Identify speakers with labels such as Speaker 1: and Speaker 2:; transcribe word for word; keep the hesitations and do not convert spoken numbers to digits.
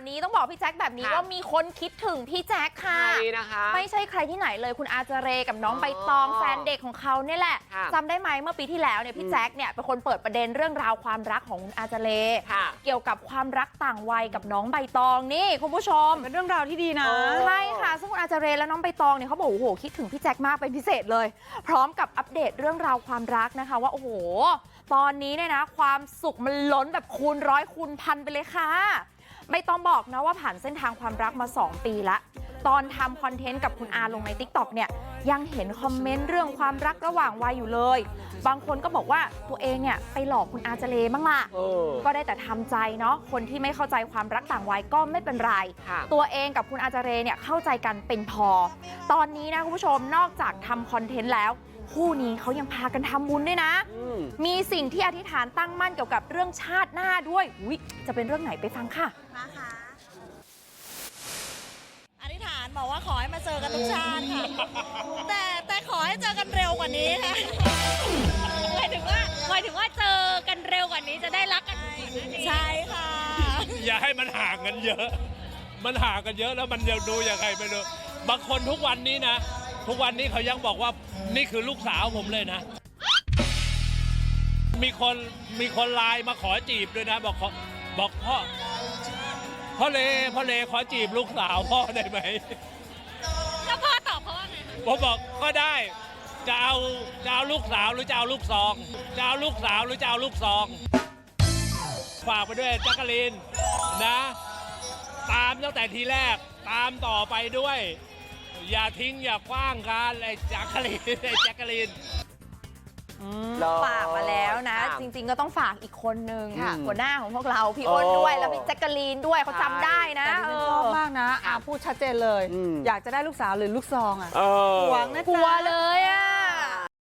Speaker 1: นี้ต้องบอกพี่แจ็คแบบนี้ว่ามีคนคิดถึงพี่แจ็คค่ะนะคะไม่ใช่ใครที่ไหนเลยคุณอาเจเรกับน้องใบตองแฟนเด็กของเขาเนี่ยแหละจำได้ไหมเมื่อปีที่แล้วเนี่ยพี่แจ็คเนี่ยเป็นคนเปิดประเด็นเรื่องราวความรักของคุณอาเจเรเกี่ยวกับความรักต่างวัยกับน้องใบตองนี่คุณผู้ชม
Speaker 2: เป็นเรื่องราวที่ดีนะ
Speaker 1: ใช่ค่ะซึ่งคุณอาเจเรและน้องใบตองเนี่ยเขาบอกโอ้โหคิดถึงพี่แจ็คมากเป็นพิเศษเลยพร้อมกับอัปเดตเรื่องราวความรักนะคะว่าโอ้โหตอนนี้เนี่ยนะความสุขมันล้นแบบคูณร้อยคูณพันไปเลยค่ะไม่ต้องบอกนะว่าผ่านเส้นทางความรักมาสองปีละตอนทำคอนเทนต์กับคุณอาลงใน ติ๊กต็อก เนี่ยยังเห็นคอมเมนต์เรื่องความรักระหว่างวัยอยู่เลยบางคนก็บอกว่าตัวเองเนี่ยไปหลอกคุณอาเจเรบ้างล่ะก็ได้แต่ทำใจเนาะคนที่ไม่เข้าใจความรักต่างวัยก็ไม่เป็นไรตัวเองกับคุณอาเจเรเนี่ยเข้าใจกันเป็นพอตอนนี้นะคุณผู้ชมนอกจากทำคอนเทนต์แล้วคู่นี้เขายังพากันทำบุญด้วยนะมีสิ่งที่อธิษฐานตั้งมั่นเกี่ยวกับเรื่องชาติหน้าด้วยอุ๊ยจะเป็นเรื่องไหนไปฟังค่ะ
Speaker 3: มาค่ะอธิษฐานบอกว่าขอให้มาเจอกันทุกชาติค่ะแต่แต่ขอให้เจอกันเร็วกว่านี้ค่ะ
Speaker 4: หมายถึงว่าหมายถึงว่าเจอกันเร็วกว่านี้จะได้รักกัน
Speaker 3: ใช่ค่ะ
Speaker 5: อย่าให้มันห่างกันเยอะมันห่างกันเยอะแล้วมันจะดูยังไงไม่รู้บางคนทุกวันนี้นะทุกวันนี้เขายังบอกว่านี่คือลูกสาวผมเลยนะมีคนมีคนไลน์มาขอจีบด้วยนะบอกขอบอกพ่อพ่อเลพ่อเลขอจีบลูกสาวพ่อได้ไหม
Speaker 4: แล้วพ่อตอบเขาว่าไง
Speaker 5: ผมบอกก็ได้จะเอาจะเอาลูกสาวหรือจะเอาลูกซองจะเอาลูกสาวหรือจะเอาลูกซองฝากไปด้วยแจ๊กกะลีนนะตามตั้งแต่ทีแรกตามต่อไปด้วยอย่าทิ้งอย่าคว้างกันไอ้แจ๊กกะลีนไอ้แจ๊กกะลีน
Speaker 1: ฝากมาแล้วนะจริงๆก็ต้องฝากอีกคนนึงค่ะหัวหน้าของพวกเราพี่อ้นด้วยแล้วพี่แจ๊กกะลีนด้วยเขาจำได้นะ
Speaker 2: ชอบมากนะพูดชัดเจนเลยอยากจะได้ลูกสาวหรือลูกซองอ่ะหวงนะ
Speaker 1: กลัวเลยอ่ะ